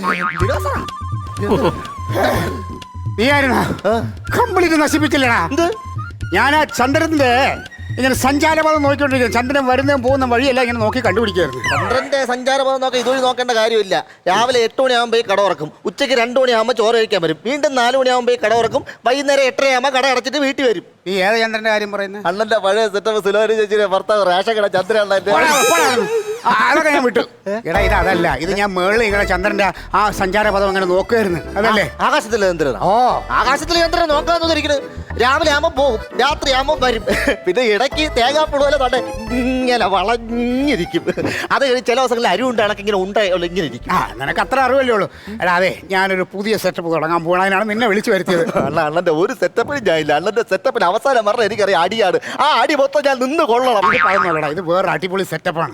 നീ ആയിരുന്നാ കംപ്ലീറ്റ് നശിപ്പിച്ചില്ലടാ. ഞാൻ ആ ചന്ദ്രന്റെ ഇങ്ങനെ സഞ്ചാരപഥം നോക്കിക്കൊണ്ടിരിക്കുന്നു. ചന്ദ്രൻ വരുന്നതും പോകുന്ന വഴിയല്ല ഇങ്ങനെ നോക്കി കണ്ടുപിടിക്കായിരുന്നു. ചന്ദ്രന്റെ സഞ്ചാരപഥം നോക്കാൻ ഇതുവഴി നോക്കേണ്ട കാര്യമില്ല. രാവിലെ 8 മണിയാകുമ്പോൾ കട ഉറക്കും, ഉച്ചയ്ക്ക് 2 മണിയാകുമ്പോൾ ചോറ് കഴിക്കാൻ വരും, വീണ്ടും 4 മണിയാകുമ്പോൾ കട ഉറക്കും, വൈകുന്നേരം 8:30 കട അടച്ചിട്ട് വീട്ടിൽ വരും. നീ ഏത് ചന്ദ്രന്റെ കാര്യം പറയുന്നത്? അണ്ണന്റെ പഴയ സെറ്റപ്പ് സുലോരി ചേച്ചിയുടെ ഭർത്താവ് റേഷൻ കട ചന്ദ്രൻ. അതൊക്കെ ഞാൻ വിട്ടു. എടാ ഇത് അതല്ല, ഇത് ഞാൻ മേളിൽ ഇങ്ങനെ ചന്ദ്രന്റെ ആ സഞ്ചാരപഥം അങ്ങനെ നോക്കുമായിരുന്നു. അതല്ലേ ആകാശത്തിൽ ചന്ദ്രൻ? ഓ ആകാശത്തിൽ ചന്ദ്രൻ നോക്കാന്നിരിക്കുന്നത്. രാവിലെ ആകുമ്പോൾ പോകും, രാത്രി ആകുമ്പോൾ വരും. പിന്നെ ഇടയ്ക്ക് തേങ്ങാപ്പുഴ പോലെ തന്നെ ഇങ്ങനെ വളഞ്ഞിരിക്കും. അത് ചില ദിവസങ്ങളിൽ അരിവുണ്ട് കണക്ക് ഇങ്ങനെ ഇങ്ങനെ ഇരിക്കും. ആ നിനക്ക് അത്ര അറിവല്ലേ ഉള്ളൂ. എടാ അതെ, ഞാനൊരു പുതിയ സെറ്റപ്പ് തുടങ്ങാൻ പോകണതിനാണ് നിന്നെ വിളിച്ചു വരുത്തിയത്. അണ്ണന്റെ ഒരു സെറ്റപ്പിനും ഞാൻ ഇല്ല. അണ്ണന്റെ സെറ്റപ്പിന് അവസാനം പറഞ്ഞ എനിക്കറിയാം അടിയാണ്. ആ അടി മൊത്തം ഞാൻ നിന്ന് കൊള്ളണം. ഇത് പറയുന്നുള്ളടാ, ഇത് വേറെ അടിപൊളി സെറ്റപ്പാണ്.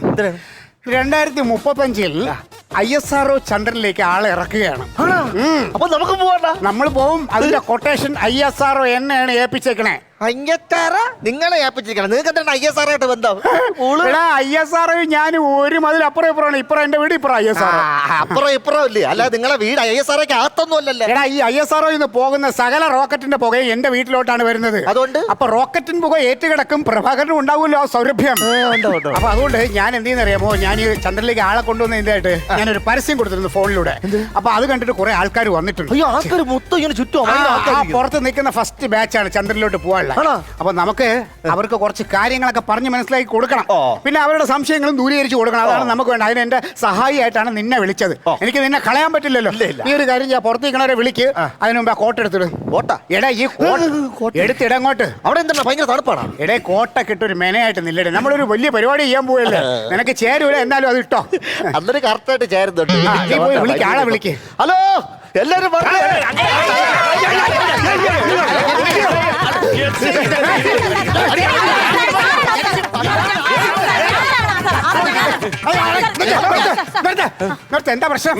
2035 ISRO ചന്ദ്രനിലേക്ക് ആളെ ഇറക്കുകയാണ്. അപ്പൊ നമുക്ക് പോവാ. നമ്മൾ പോവും. അതിന്റെ കൊട്ടേഷൻ ISRO എന്നെയാണ് ഏൽപ്പിച്ചേക്കണേ. നിങ്ങളെ ഏൽപ്പിച്ചിരിക്കണം. നിങ്ങൾക്ക് എന്താണ് ISRO ആയിട്ട് ബന്ധം? ISRO ഞാൻ ഒരു മതിൽ അപ്പുറം ഇപ്പുറമാണ്. ഇപ്പുറം എന്റെ വീട്, ഇപ്പുറം ISRO. അപ്പുറം ഇപ്പുറം ഇല്ലേ? അല്ല നിങ്ങളെ വീട് ISROക്ക് അകത്തൊന്നും അല്ലല്ലോ. എടാ ഈ ISRO പോകുന്ന സകല റോക്കറ്റിന്റെ പുകയും എന്റെ വീട്ടിലോട്ടാണ് വരുന്നത്. അതുകൊണ്ട് അപ്പൊ റോക്കറ്റിന് പുക ഏറ്റുകിടക്കും, പ്രഭാകരനും ഉണ്ടാവുമല്ലോ ആ സൗരഭ്യം. അപ്പൊ അതുകൊണ്ട് ഞാൻ എന്ത് ചെയ്യുന്നറിയാമോ, ഞാൻ ഈ ചന്ദ്രനിലേക്ക് ആളെ കൊണ്ടുവന്നതിന്റെ ഞാനൊരു പരസ്യം കൊടുത്തിരുന്നു ഫോണിലൂടെ. അപ്പൊ അത് കണ്ടിട്ട് കുറെ ആൾക്കാർ വന്നിട്ടുണ്ട്. അയ്യോ, ആൾക്കാർ മൊത്തം ഇങ്ങനെ ചുറ്റും പുറത്ത് നിൽക്കുന്ന ഫസ്റ്റ് ബാച്ചാണ് ചന്ദ്രനിലോട്ട് പോകാനുള്ള. അപ്പൊ നമുക്ക് അവർക്ക് കുറച്ച് കാര്യങ്ങളൊക്കെ പറഞ്ഞ് മനസ്സിലാക്കി കൊടുക്കണം. പിന്നെ അവരുടെ സംശയങ്ങളും ദൂരീകരിച്ച് കൊടുക്കണം. അതാണ് നമുക്ക് വേണ്ട. അതിന് എന്റെ സഹായിയായിട്ടാണ് നിന്നെ വിളിച്ചത്. എനിക്ക് നിന്നെ കളയാൻ പറ്റില്ലല്ലോ. ഈ ഒരു കാര്യം ഞാൻ പുറത്തേക്കണവരെ വിളിക്ക്. അതിന് മുമ്പ് ആ കോട്ട എടുത്തിട്. എടാ ഈ എടുത്തിട അങ്ങോട്ട്. അവിടെ എന്താ ഭയങ്കര തണുപ്പാണ്. എടേ കോട്ടൊക്കെ ഇട്ടൊരു മെനയായിട്ട് നില്ലടേ. നമ്മളൊരു വലിയ പരിപാടി ചെയ്യാൻ പോയല്ലേ. നിനക്ക് ചേരൂല, എന്നാലും അത് ഇട്ടോ. അന്നൊരു കറക്റ്റായിട്ട് ചേരുന്നുണ്ട്. നീ പോയി വിളിക്ക്, ആളെ വിളിക്ക്. ഹലോ എല്ലാരും എന്താ പ്രശ്നം?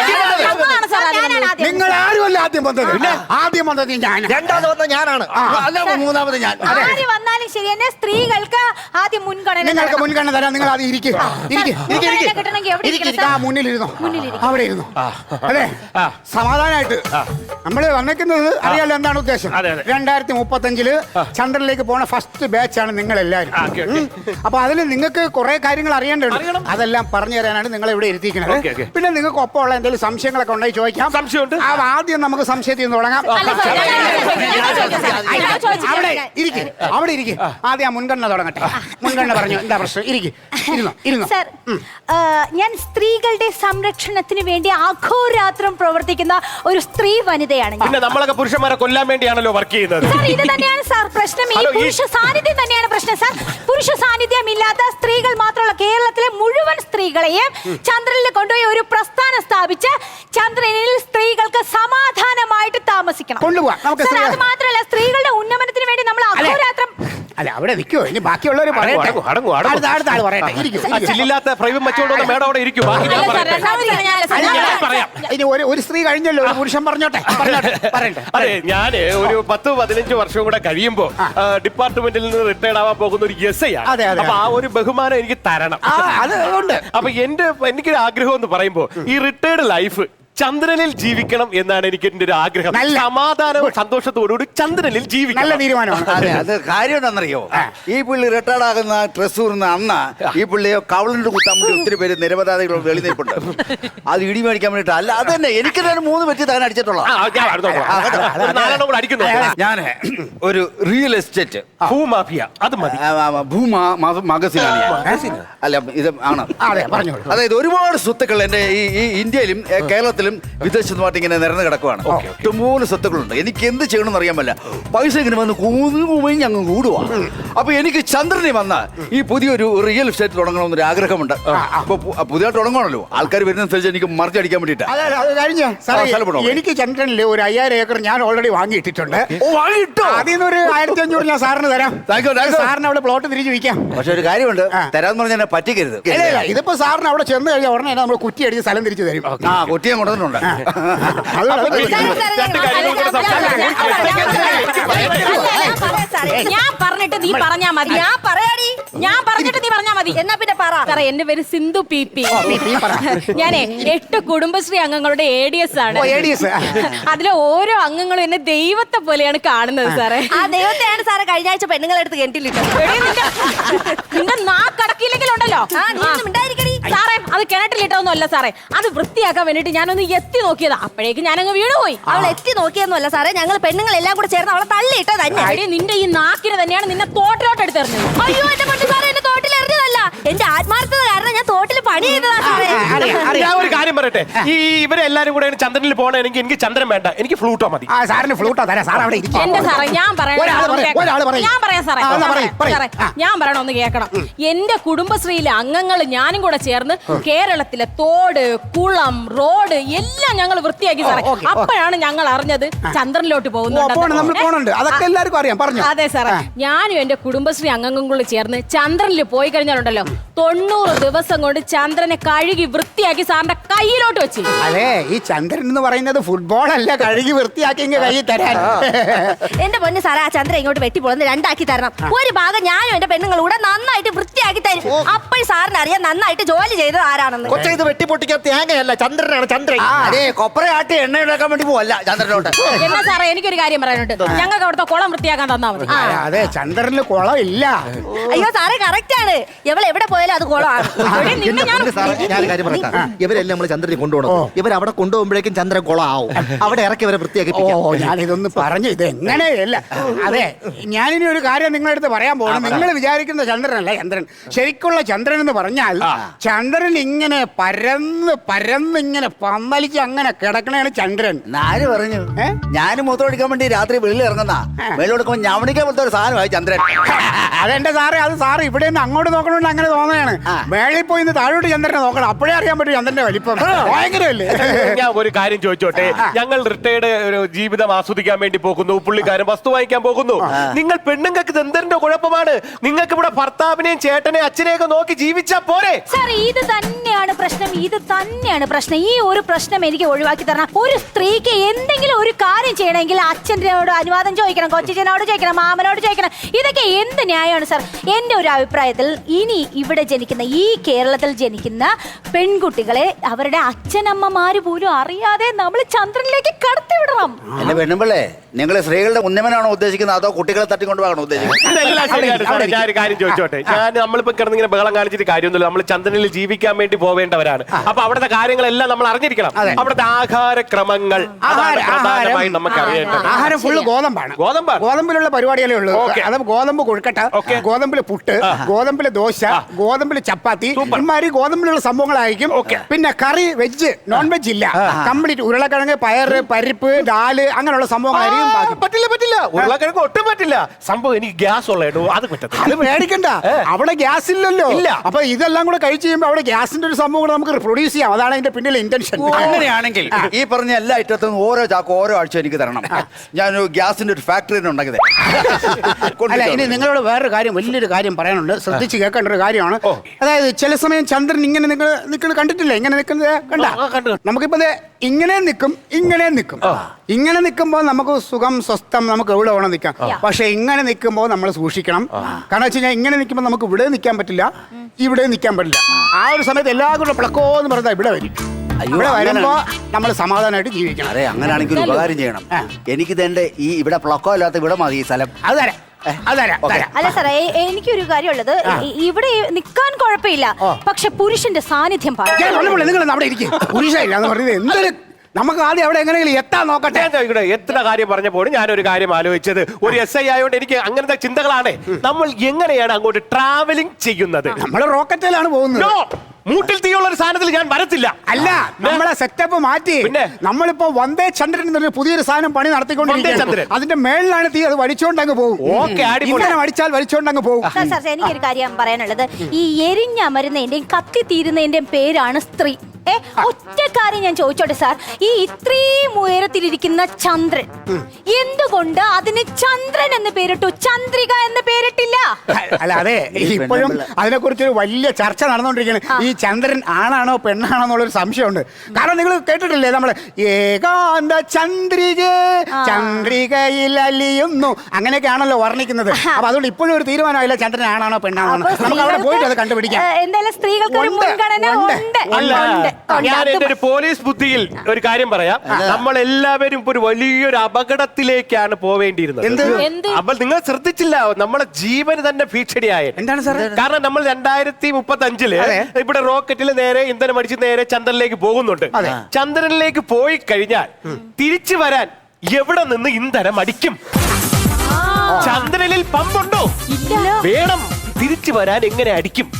നിങ്ങൾ ആരുമല്ല ആദ്യം വന്നത്. ആദ്യം വന്നത് ഞാൻ, രണ്ടാമത് വന്ന ഞാനാണ്, മൂന്നാമത് ഞാൻ. വന്നാലും ശരി തന്നെ സ്ത്രീകൾക്ക് ആദ്യം മുൻഗണന. നിങ്ങൾക്ക് മുൻഗണന തരാം. നിങ്ങൾ ആദ്യം ഇരിക്കും. മുന്നിലിരുന്നോ, അവിടെ ഇരുന്നു. അതെ, സമാധാനമായിട്ട്. നമ്മൾ വന്നേക്കുന്നത് അറിയാലോ എന്താണ് ഉദ്ദേശം. 2035 ചന്ദ്രനിലേക്ക് പോണ ഫസ്റ്റ് ബാച്ചാണ് നിങ്ങൾ എല്ലാവരും. അപ്പൊ അതിൽ നിങ്ങൾക്ക് കുറെ കാര്യങ്ങൾ അറിയേണ്ടതുണ്ട്. അതെല്ലാം പറഞ്ഞു തരാനാണ് നിങ്ങളെ ഇവിടെ ഇരുത്തിക്കുന്നത്. പിന്നെ നിങ്ങൾക്ക് ഒപ്പമുള്ള എന്തെങ്കിലും സംശയങ്ങളൊക്കെ ഉണ്ടെങ്കിൽ ചോദിക്കാം. സംശയമുണ്ട്. ആദ്യം നമുക്ക് സംശയത്തിൽ നിന്ന് തുടങ്ങാം. അവിടെ ഇരിക്കും, അവിടെ ഇരിക്കും. ആദ്യം മുൻഗണന തുടങ്ങട്ടെ. മുൻഗണന പറഞ്ഞു. എന്താ പ്രശ്നം? ഇരുന്നു. സർ, ഞാൻ സ്ത്രീകളുടെ സംരക്ഷണത്തിന് വേണ്ടി അഹോരാത്രം പ്രവർത്തിക്കുന്ന ഒരു സ്ത്രീ വനിതയാണ്. പിന്നെ നമ്മളൊക്കെ പുരുഷന്മാരെ കൊല്ലാൻ വേണ്ടിയാണല്ലോ വർക്ക് ചെയ്യുന്നത്. ഇത് തന്നെയാണ് സാർ പ്രശ്നം. ഈ പുരുഷ സാന്നിധ്യം തന്നെയാണ് പ്രശ്നം സാർ. പുരുഷ സാന്നിധ്യം ഇല്ലാത്ത സ്ത്രീകൾ മാത്രമല്ല, കേരളത്തിലെ മുഴുവൻ സ്ത്രീകളെയും ചന്ദ്രനിൽ കൊണ്ടുപോയി ഒരു പ്രസ്ഥാനം സ്ഥാപിച്ച് ചന്ദ്രനിൽ സ്ത്രീകൾക്ക് സമാധാനമായിട്ട് താമസിക്കണം. അത് മാത്രമല്ല, സ്ത്രീകളുടെ ഉന്നമനത്തിന് വേണ്ടി നമ്മൾ അഹോരാത്രം. അല്ല അവിടെ നിൽക്കുമോ? ഇനി ബാക്കിയുള്ളവർ പറയട്ടെ. ചില്ലില്ലാത്ത പ്രൈവം വെച്ചോണ്ട് മേഡം അവിടെ ഇരിക്കും. ഇനി ഒരു സ്ത്രീ കഴിഞ്ഞല്ലോ, ഒരു പുരുഷൻ പറഞ്ഞോട്ടെ. അതെ, ഞാന് ഒരു 10-15 വർഷം കൂടെ കഴിയുമ്പോ ഡിപ്പാർട്ട്മെന്റിൽ നിന്ന് റിട്ടയർഡ് ആവാൻ പോകുന്ന ഒരു SI ആണ്. അപ്പൊ ആ ഒരു ബഹുമാനം എനിക്ക് തരണം. അപ്പൊ എനിക്കൊരു ആഗ്രഹം എന്ന് പറയുമ്പോ ഈ റിട്ടയർഡ് ലൈഫ് ചന്ദ്രനിൽ ജീവിക്കണം എന്നാണ് എനിക്ക് എന്റെ ഒരു ആഗ്രഹം. സമാധാനവും സന്തോഷത്തോടുകൂടി ചന്ദ്രനിൽ ജീവിക്കണം. നല്ല തീരുമാനമാണ്. അതെ, അത് കാര്യം എന്താണെന്നറിയോ? ഈ പുള്ളി റിട്ടയർഡ് ആകുന്ന ട്രസ്സൂർന്ന് അന്ന് ഈ പുള്ളിയെ കവളിന്റെ കുത്താൻ വേണ്ടി ഒത്തിരി പേര് നിരപരാധികൾ വെളിനിൽപ്പുണ്ട്. അത് ഇടി മേടിക്കാൻ വേണ്ടിട്ട്. അല്ല, അത് തന്നെ എനിക്ക് തന്നെ 3 വ്യക്തി താൻ അടിച്ചിട്ടുള്ള. ഞാൻ ഒരു റിയൽ എസ്റ്റേറ്റ് ഭൂമാഫിയ, അത് മതി. ഭൂമാ മഗസിനാണ്. അല്ല, ഇത് ആണ്. അതായത് ഒരുപാട് സ്വത്തുക്കൾ എന്റെ ഈ ഇന്ത്യയിലും കേരളത്തിലും വിദേശത്തുമായിട്ട് ഇങ്ങനെ നിരന്ന് കിടക്കുവാണ്. ഇഷ്ടംപോലെ സ്വത്തുക്കളുണ്ട്. എനിക്ക് എന്ത് ചെയ്യണമെന്ന് അറിയാൻ പറ്റില്ല. പൈസ ഇങ്ങനെ വന്ന് കൂടി അങ്ങ് കൂടുവാ. അപ്പൊ എനിക്ക് ചന്ദ്രനെ വന്ന ഈ പുതിയൊരു റിയൽ എസ്റ്റേറ്റ് തുടങ്ങണമെന്നൊരു ആഗ്രഹമുണ്ട്. അപ്പൊ പുതിയതായിട്ട് തുടങ്ങണമല്ലോ, ആൾക്കാർ വരുന്നതനുസരിച്ച് എനിക്ക് മറിച്ചടിക്കാൻ വേണ്ടിട്ട്. എനിക്ക് ചന്ദ്രനിൽ ഒരു 5000 ഏക്കർ ഞാൻ ഓൾറെഡി വാങ്ങിയിട്ടിട്ടുണ്ട്. അതിൽ ഒരു 1500 ഞാൻ സാറിന് തരാം. സാറിന് അവിടെ പ്ലോട്ട് തിരിച്ചു വയ്ക്കാം. പക്ഷെ ഒരു കാര്യമുണ്ട്, തരാന്ന് പറഞ്ഞാൽ പറ്റിക്കരുത്. ഇതിപ്പോ സാറിന് അവിടെ ചെന്ന് കഴിഞ്ഞാൽ ഉടനെ നമ്മൾ കുറ്റി അടിച്ച് സ്ഥലം തിരിച്ചു തരും. കുറ്റിയെ കൊണ്ടുവന്ന് ചന്ദ്രനുണ്ട്. ഞാൻ പറഞ്ഞിട്ട് നീ പറഞ്ഞാ മതി. ഞാൻ പറഞ്ഞിട്ട് നീ പറഞ്ഞാ മതി. എന്നാ പിന്നെ പറ. സാറേ, എന്റെ പേര് സിന്ധു പി. ഞാനേ 8 കുടുംബശ്രീ അംഗങ്ങളുടെ ADS ആണ്. അതിലെ ഓരോ അംഗങ്ങളും എന്നെ ദൈവത്തെ പോലെയാണ് കാണുന്നത് സാറേ. ആ ദൈവത്തെയാണ് സാറേ കഴിഞ്ഞ ആഴ്ച പെണ്ണുങ്ങളെടുത്ത് കിണറ്റിലിട്ടത്. നിന്റെ നാക്കടക്കില്ലെങ്കിലുണ്ടല്ലോ സാറേ, അത് കിണറ്റിലിട്ടൊന്നും അല്ല സാറേ, അത് വൃത്തിയാക്കാൻ വേണ്ടിട്ട് ഞാനൊന്ന് എത്തി നോക്കിയതാ. അപ്പോഴേക്ക് ഞാനങ്ങ് വീണുപോയി. അവൾ എത്തി നോക്കിയൊന്നുമല്ല സാറേ, ഞങ്ങൾ പെണ്ണുങ്ങളെല്ലാം കൂടെ ചേർന്ന് അവളെ തള്ളിയിട്ടോ തന്നെ. നിന്റെ ഈ നാക്കിന് തന്നെയാണ് നിന്നെ തോട്ടിലോട്ട് എടുത്തെറിഞ്ഞത്. അയ്യോ എന്റെ പൊന്നു സാറേ, എന്നെ തോട്ടിൽ എറിഞ്ഞതല്ല. എന്റെ ആത്മാർത്ഥത കാരണം ഞാൻ തോട്ടിൽ പണി ചെയ്തതാ സാറേ. ഞാൻ ഒരു കാര്യം പറയട്ടെ, ഈ ഇവരെല്ലാരും കൂടെ ചന്ദ്രനിൽ പോകണമെങ്കിൽ എനിക്ക് ചന്ദ്രൻ വേണ്ട, എനിക്ക് ഫ്ലൂട്ടോ മതി. സാറിന് ഫ്ലൂട്ടോ തരാം. സാർ അവിടെ ഇരിക്കും. എന്റെ സാറേ, ഞാൻ പറയാം സാറേ, പറയ്. ഞാൻ പറയണം, ഒന്ന് കേൾക്കണം. എന്റെ കുടുംബശ്രീയിലെ അംഗങ്ങൾ ഞാനും കൂടെ ചേർന്ന് കേരളത്തിലെ തോട്, കുളം, റോഡ് എല്ലാം ഞങ്ങൾ വൃത്തിയാക്കി സാറേ. അപ്പോഴാണ് ഞങ്ങൾ അറിഞ്ഞത് ചന്ദ്രനിലോട്ട് പോകുന്നുണ്ട്. അതൊക്കെ എല്ലാവർക്കും അറിയാം. പറഞ്ഞു. അതെ സാറേ, ഞാനും എന്റെ കുടുംബശ്രീ അംഗങ്ങളും കൂടെ ചേർന്ന് ചന്ദ്രനിൽ പോയി കഴിഞ്ഞാലുണ്ടല്ലോ 90 ദിവസം കൊണ്ട് ചന്ദ്രനെ കഴുകി വൃത്തിയാക്കി സാറിന്റെ കയ്യിലോട്ട് വെച്ച്. അതെ, ഈ ചന്ദ്രൻ എന്ന് പറയുന്നത് ഫുട്ബോൾ അല്ല, കഴുകി വൃത്തിയാക്കി കയ്യിൽ തരാൻ. എന്റെ പൊന്നു സാറേ, ആ ചന്ദ്രൻ ഇങ്ങോട്ട് വെട്ടിപ്പൊളന്ന് 2 ആക്കി തരണം. ഒരു ഭാഗം ഞാനും എന്റെ പെണ്ണുങ്ങളും കൂടെ നന്നായിട്ട് വൃത്തിയാക്കി തരും. അപ്പോൾ സാറിന് അറിയാം നന്നായിട്ട് ജോലി ചെയ്തത് ആരാണെന്ന്. കൊച്ചെ, ഇത് വെട്ടിപ്പൊട്ടിക്കാൻ തേങ്ങയല്ല, ചന്ദ്രനാണ്. ചന്ദ്രൻ അതെ, കൊപ്രയാട്ടി എണ്ണ ഉണ്ടാക്കാൻ വേണ്ടി പോവല്ല ചന്ദ്രനോട്ട്. എന്നാ സാറേ, എനിക്കൊരു കാര്യം പറയാനുണ്ട്. ഞങ്ങൾക്ക് അവിടുത്തെ കുളം വൃത്തിയാക്കാൻ തന്നാ മതി. അതെ, ചന്ദ്രനിൽ കുളം ഇല്ല. അയ്യോ സാറേ, കറക്റ്റ് ആണ്. എവൾ എവിടെ പോയാലും അത് കുളമാണ്. ഞാൻ കാര്യം പറയാം. ഇവരെല്ലാം നമ്മൾ ചന്ദ്രനെ കൊണ്ടുപോകണം. ഇവർ അവിടെ കൊണ്ടുപോകുമ്പോഴേക്കും ചന്ദ്രൻ കുളമാവും. അവിടെ ഇറക്കി ഇവരെ വൃത്തിയാക്കി. ഞാനിതൊന്ന് പറഞ്ഞു, ഇത് എങ്ങനെയല്ല. അതെ, ഞാനിനി ഒരു കാര്യം നിങ്ങളുടെ അടുത്ത് പറയാൻ പോകുന്നു. നിങ്ങൾ വിചാരിക്കുന്ന ചന്ദ്രനല്ല ചന്ദ്രൻ. ശരിക്കുള്ള ചന്ദ്രൻ എന്ന് പറഞ്ഞാൽ ചന്ദ്രൻ ഇങ്ങനെ പരന്ന് ഇങ്ങനെ പന്തലിച്ച് അങ്ങനെ കിടക്കണയാണ് ചന്ദ്രൻ. ആര് പറഞ്ഞു? ഞാനും മൂത്രമൊഴിക്കാൻ വേണ്ടി രാത്രി വെളിയിൽ ഇറങ്ങുന്ന വെള്ളം ഞവണിക്കാൻ പോലത്തെ ഒരു സാധനമായി ചന്ദ്രൻ. അതെന്റെ സാറേ, അത് സാറ് ഇവിടെ നിന്ന് അങ്ങോട്ട് നോക്കണോണ്ട് അങ്ങനെ തോന്നുകയാണ്. മേളിൽ പോയി താഴോട്ട് ചന്ദ്രനെ നോക്കണം. അപ്പോഴേ അറിയാൻ പറ്റും ചന്ദ്രന്റെ വലിപ്പം. ഭയങ്കരമല്ലേ? ഞാൻ ഒരു കാര്യം ചോദിച്ചോട്ടെ, ഞങ്ങൾ റിട്ടയർഡ് ഒരു ജീവിതം ആസ്വദിക്കാൻ വേണ്ടി പോകുന്നു, പുള്ളിക്കാരൻ വസ്തു വാങ്ങിക്കാൻ പോകുന്നു. നിങ്ങൾ പെണ്ണുങ്ങൾക്ക് ചന്ദ്രന്റെ കുഴപ്പമാണ്. നിങ്ങൾക്ക് ഇവിടെ ഭർത്താവിനെയും ചേട്ടനെയും അച്ഛനെയൊക്കെ നോക്കി ജീവിച്ചാ പോരെ? സാർ, ഇത് തന്നെയാണ് പ്രശ്നം. ഈ ഒരു പ്രശ്നം എനിക്ക് ഒഴിവാക്കി തരണം. ഒരു സ്ത്രീക്ക് എന്തെങ്കിലും ഒരു കാര്യം ചെയ്യണമെങ്കിൽ അച്ഛനോട് അനുവാദം ചോദിക്കണം, കൊച്ചിനോട് ചോദിക്കണം, മാമനോട് ചോദിക്കണം. ഇതൊക്കെ എന്ത് ന്യായമാണ് സാർ? എന്റെ ഒരു അഭിപ്രായത്തിൽ ഇനി ഇവിടെ ജനിക്കുന്ന, ഈ കേരളത്തിൽ ജനിക്കുന്ന പെൺകുട്ടികളെ അവരുടെ അച്ഛനമ്മമാര് പോലും അറിയാതെ നമ്മൾ ചന്ദ്രനിലേക്ക് കടത്തിവിടണം. എന്റെ പെണ്ണുമ്പിള്ളേ, നിങ്ങൾ സ്ത്രീകളുടെ ഉന്നമനാണോ ഉദ്ദേശിക്കുന്നത് അതോ കുട്ടികളെ തട്ടിക്കൊണ്ടുപോകണോ ഉദ്ദേശിക്കുന്നത്? ഞാൻ ഒരു കാര്യം ചോദിച്ചോട്ടെ, നമ്മളിപ്പോ കിടന്നിങ്ങനെ ബഹളം കാണിച്ചിട്ട് കാര്യമൊന്നുമില്ല. നമ്മൾ ചന്ദ്രനിൽ ജീവിക്കാൻ വേണ്ടി പോവേണ്ടവരാണ്. അപ്പൊ അവിടുത്തെ കാര്യങ്ങളെല്ലാം നമ്മൾ അറിഞ്ഞിരിക്കണം. അവിടുത്തെ ആഹാരക്രമങ്ങൾ പ്രധാനമായും നമുക്ക് അറിയേണ്ടത്. ആഹാരം ഫുള്ള് ഗോതമ്പാണ്. ഗോതമ്പിലുള്ള പരിപാടികളേ ഉള്ളൂ. അത് ഗോതമ്പ് കൊഴുക്കട്ട, ഗോതമ്പില് പുട്ട്, ഗോതമ്പില് ദോശ, ഗോതമ്പില് ചപ്പാത്തി, ഇമാതിരി ഗോതമ്പിലുള്ള സംഭവങ്ങളായിരിക്കും. പിന്നെ കറി, വെജ്, നോൺ വെജ് ഇല്ല. കംപ്ലീറ്റ് ഉരുളക്കിഴങ്ങ്, പയറ്, പരിപ്പ്, ദാല് അങ്ങനെയുള്ള സംഭവങ്ങളായിരിക്കും. പറ്റില്ല, ഉരുളക്കിഴങ്ങ് ഒട്ടും പറ്റില്ല. സംഭവം എനിക്ക് ഗ്യാസ് ഉള്ളൂ, അത് പറ്റത്തില്ല. അത് പേടിക്കണ്ട, അവിടെ ഗ്യാസ് ഇല്ലല്ലോ. അപ്പൊ ഇതെല്ലാം കൂടെ കഴിച്ചു കഴിയുമ്പോൾ അവിടെ ഗ്യാസിന്റെ ഒരു സംഭവം കൂടെ നമുക്ക് പ്രൊഡ്യൂസ് ചെയ്യാം. അതാണ് അതിന്റെ പിന്നിലെ ഇന്റൻഷൻ. അങ്ങനെയാണെങ്കിൽ ഈ പറഞ്ഞ എല്ലാ ഐറ്റത്തും ഓരോ ചാക്ക് ഓരോ ആഴ്ച എനിക്ക് തരണം. ഞാൻ ഗ്യാസിന്റെ ഒരു ഫാക്ടറി ഉണ്ടാക്കിയത്. അല്ല, ഇനി നിങ്ങളോട് വേറൊരു കാര്യം, വലിയൊരു കാര്യം പറയാനുണ്ട്. ശ്രദ്ധിച്ച് കേൾക്കേണ്ട ഒരു കാര്യമാണ്. അതായത് ചില സമയം ചന്ദ്രൻ ഇങ്ങനെ നിങ്ങൾ കണ്ടിട്ടില്ല, ഇങ്ങനെ നിൽക്കുന്നത് കണ്ട. നമുക്കിപ്പോ ഇങ്ങനെ നിൽക്കും, ഇങ്ങനെ നിൽക്കുമ്പോൾ നമുക്ക് സുഖം, സ്വസ്ഥം, നമുക്ക് എവിടെ വേണം നിൽക്കാം. പക്ഷെ ഇങ്ങനെ നിൽക്കുമ്പോൾ നമ്മൾ സൂക്ഷിക്കണം. കാരണം വെച്ച് കഴിഞ്ഞാൽ ഇങ്ങനെ നിൽക്കുമ്പോൾ നമുക്ക് ഇവിടെ നിൽക്കാൻ പറ്റില്ല, ഇവിടെ നിൽക്കാൻ പറ്റില്ല. ആ ഒരു സമയത്ത് എല്ലാവരും കൂടെ പ്ലക്കോ എന്ന് പറഞ്ഞാൽ ഇവിടെ വരും. ഇവിടെ വരുമ്പോ നമ്മൾ സമാധാനമായിട്ട് ജീവിക്കണം. അതെ, അങ്ങനെയാണെങ്കിൽ ഒരു ഉപകാരം ചെയ്യണം. എനിക്കിത് എന്റെ ഈ ഇവിടെ പ്ലക്കോ ഇല്ലാത്ത ഇവിടെ മതി ഈ സ്ഥലം. അത് തരാം. അല്ല സാറേ, എനിക്കൊരു കാര്യമുള്ളത്, ഇവിടെ നിൽക്കാൻ കുഴപ്പമില്ല, പക്ഷെ പുരുഷന്റെ സാന്നിധ്യം നിങ്ങൾ അവിടെ ഇരിക്കും. പുരുഷയില്ല എന്ന് പറഞ്ഞത് എന്തൊരു, നമുക്ക് ആദ്യം അവിടെ എങ്ങനെയെങ്കിലും എത്താൻ നോക്കട്ടെ. എത്ര കാര്യം പറഞ്ഞപ്പോഴും ഞാനൊരു കാര്യം ആലോചിച്ചത്, ഒരു SI ആയതുകൊണ്ട് എനിക്ക് അങ്ങനത്തെ ചിന്തകളാണ്. നമ്മൾ എങ്ങനെയാണ് അങ്ങോട്ട് ട്രാവലിംഗ് ചെയ്യുന്നത്? നമ്മൾ റോക്കറ്റിലാണ് പോകുന്നത്. മൂട്ടിൽ തീയുള്ള ഒരു സാധനത്തിൽ ഞാൻ വരത്തില്ല. അല്ല, നമ്മളെ സെറ്റപ്പ് മാറ്റി നമ്മളിപ്പോ വന്ദേ ചന്ദ്രൻ എന്നൊരു പുതിയൊരു സാധനം പണി നടത്തിക്കൊണ്ടിരിക്കുന്നത്. അതിന്റെ മേളിലാണ് തീ, അത് വലിച്ചോണ്ടങ്ങ് പോകും. അടിച്ചാൽ വലിച്ചോണ്ടങ്ങ് പോകും. എനിക്കൊരു കാര്യം പറയാനുള്ളത്, ഈ എരിഞ്ഞമരുന്നതിന്റെയും കത്തി തീരുന്നതിന്റെയും പേരാണ് സ്ത്രീ. ഒറ്റ കാര്യം ഞാൻ ചോദിച്ചോട്ടെ സാർ, ഈ ഇത്രയും ഉയരത്തിലിരിക്കുന്ന ചന്ദ്രൻ എന്തുകൊണ്ട് അതിന് ചന്ദ്രൻ എന്ന് പേരിട്ടു, ചന്ദ്രിക എന്ന് പേരിട്ടില്ല? അല്ല അതെ, ഇപ്പോഴും അതിനെക്കുറിച്ചൊരു വലിയ ചർച്ച നടന്നുകൊണ്ടിരിക്കുകയാണ്. ഈ ചന്ദ്രൻ ആണാണോ പെണ്ണാണോ എന്നുള്ളൊരു സംശയമുണ്ട്. കാരണം നിങ്ങൾ കേട്ടിട്ടില്ലേ നമ്മള് ഏകാന്ത ചന്ദ്രിക ചന്ദ്രികയിൽ അലിയുന്നു അങ്ങനെയൊക്കെയാണല്ലോ വർണ്ണിക്കുന്നത്. അപ്പൊ അതുകൊണ്ട് ഇപ്പോഴും ഒരു തീരുമാനമായില്ല ചന്ദ്രൻ ആണാണോ പെണ്ണാണോ. നമുക്ക് അവിടെ പോയിട്ട് അത് കണ്ടുപിടിക്കാം. എന്തായാലും സ്ത്രീകൾക്ക് ഒരു മുൻഗണന ഉണ്ട്. ഞാൻ എന്റെ ഒരു പോലീസ് ബുദ്ധിയിൽ ഒരു കാര്യം പറയാം. നമ്മൾ എല്ലാവരും ഒരു വലിയൊരു അപകടത്തിലേക്കാണ് പോവേണ്ടിയിരുന്നത്. അപ്പോൾ നിങ്ങൾ ശ്രദ്ധിച്ചില്ല, നമ്മളെ ജീവന് തന്നെ ഭീഷണിയായ. എന്താണ് സാർ? കാരണം നമ്മൾ 2035 ഇവിടെ റോക്കറ്റിൽ നേരെ ഇന്ധനം അടിച്ച് നേരെ ചന്ദ്രനിലേക്ക് പോകുന്നുണ്ട്. ചന്ദ്രനിലേക്ക് പോയി കഴിഞ്ഞാൽ തിരിച്ചു വരാൻ എവിടെ നിന്ന് ഇന്ധനം അടിക്കും? ചന്ദ്രനിൽ പമ്പുണ്ടോ? വേണം. തിരിച്ചു വരാൻ എങ്ങനെ അടിക്കും?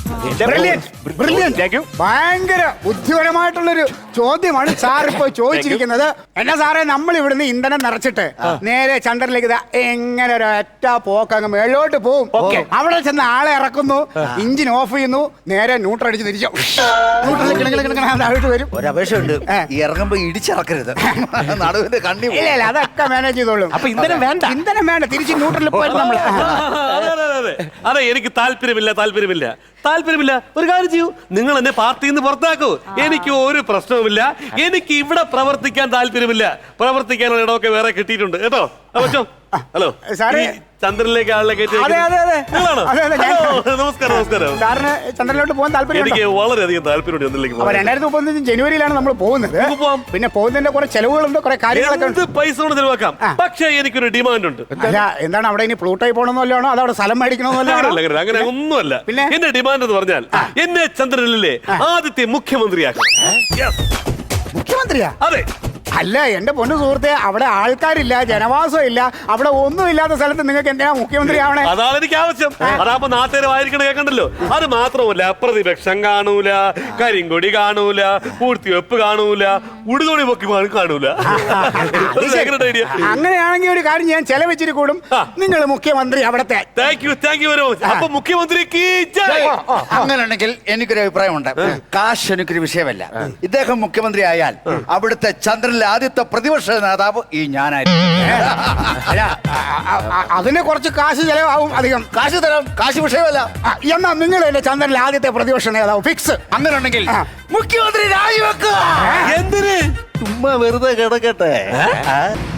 ഭയങ്കര ബുദ്ധിപരമായിട്ടുള്ളൊരു ചോദ്യമാണ് സാർ ഇപ്പൊ ചോദിച്ചിരിക്കുന്നത്. എന്നാ സാറേ, നമ്മൾ ഇവിടുന്ന് ഇന്ധനം നിറച്ചിട്ട് നേരെ ചന്ദ്രനിലേക്ക് എങ്ങനെ ഒരു ഒറ്റ പോക്ക് അങ്ങ് മേളോട്ട് പോകും. അവിടെ ചെന്ന് ആളെ ഇറക്കുന്നു, എഞ്ചിൻ ഓഫ് ചെയ്യുന്നു, നേരെ ന്യൂട്രൽ അടിച്ച് തിരിച്ചു വരും. ഒരപേക്ഷയുണ്ട്, ഇറങ്ങുമ്പോ ഇടിച്ചിറക്കരുത്, നടുവിന്റെ കണ്ണി. ഇല്ല അതൊക്കെ മാനേജ് ചെയ്തോളും. അപ്പൊ ഇന്ധനം വേണ്ട, ഇന്ധനം വേണ്ട, തിരിച്ച് ന്യൂട്രലിൽ പോയി നമ്മൾ. അതെ, എനിക്ക് താല്പര്യമില്ല. ഒരു കാര്യം ചെയ്യൂ, നിങ്ങൾ എന്നെ പാർട്ടിയിൽ നിന്ന് പുറത്താക്കൂ. എനിക്ക് ഒരു പ്രശ്നവുമില്ല. എനിക്ക് ഇവിടെ പ്രവർത്തിക്കാൻ താല്പര്യമില്ല. പ്രവർത്തിക്കാനുള്ള ഇടമൊക്കെ വേറെ കിട്ടിയിട്ടുണ്ട് കേട്ടോ. അപ്പച്ചോ, ഹലോ സാറേ, ചന്ദ്രനിലേക്ക് ആളിനെ നമസ്കാരം. സാറിന് ചന്ദ്രനിലോട്ട് പോകാൻ താല്പര്യം? എനിക്ക് വളരെയധികം താല്പര്യമുണ്ട്. 2035 ജനുവരിയിലാണ് നമ്മൾ പോകുന്നത്. പിന്നെ പോകുന്നതിന്റെ കുറെ ചെലവുകളുണ്ട്, കുറെ കാര്യങ്ങളൊക്കെ. പൈസ കൊണ്ട് ചെലവാക്കാം, പക്ഷേ എനിക്കൊരു ഡിമാൻഡ് ഉണ്ട്. അല്ല, എന്താണ് അവിടെ ഇനി പ്ലൂട്ടായി പോകണമെന്നല്ലോ, അതവിടെ സ്ഥലം മേടിക്കണമെന്നല്ലോ? അങ്ങനെ ഒന്നുമല്ല. പിന്നെ എന്റെ ഡിമാൻഡ് എന്ന് പറഞ്ഞാൽ എന്നെ ചന്ദ്രനിലെ ആദ്യത്തെ മുഖ്യമന്ത്രിയാക്കണം. മുഖ്യമന്ത്രിയാ? അതെ. അല്ല എന്റെ പൊന്നു സുഹൃത്തെ, അവിടെ ആൾക്കാരില്ല, ജനവാസം ഇല്ല, അവിടെ ഒന്നും ഇല്ലാത്ത സ്ഥലത്ത് നിങ്ങൾക്ക് എന്തിനാ മുഖ്യമന്ത്രി ആവണേ? അതാണ് എനിക്ക് ആവശ്യം. അതാകുമ്പോ നാട്ടുകാരെ വായിരിക്കണ കേൾക്കണ്ടല്ലോ. അത് മാത്രമല്ല, പ്രതിപക്ഷം കാണൂല, കരിങ്കൊടി കാണൂല, പൂഴ്ത്തിവെപ്പ് കാണൂല, ഉടുതുണി പൊക്കി കാണൂല. അങ്ങനെയാണെങ്കിൽ ഒരു കാര്യം ഞാൻ ചെലവെച്ചിട്ട് കൂടും, നിങ്ങൾ മുഖ്യമന്ത്രി അവിടത്തെ. Thank you very much. അപ്പൊ മുഖ്യമന്ത്രിക്ക് അങ്ങനെയാണെങ്കിൽ എനിക്കൊരു അഭിപ്രായമുണ്ട്. കാശ് എനിക്കൊരു വിഷയമല്ല. ഇദ്ദേഹം മുഖ്യമന്ത്രി ആയാൽ അവിടുത്തെ ചന്ദ്രനിലെ ആദ്യത്തെ പ്രതിപക്ഷ നേതാവ് ഈ ഞാനായിരുന്നു. അതിന് കുറച്ച് കാശ് ചെലവാകും, അധികം കാശ് തരാം, കാശ് വിഷയമല്ല. എന്നാ നിങ്ങൾ എന്റെ ചന്ദ്രനിലെ ആദ്യത്തെ പ്രതിപക്ഷ നേതാവ് ഫിക്സ്. അങ്ങനെ ഉണ്ടെങ്കിൽ മുഖ്യമന്ത്രി രാജിവെക്കുക. എന്തിന്? ചുമ്മാ വെറുതെ കിടക്കട്ടെ.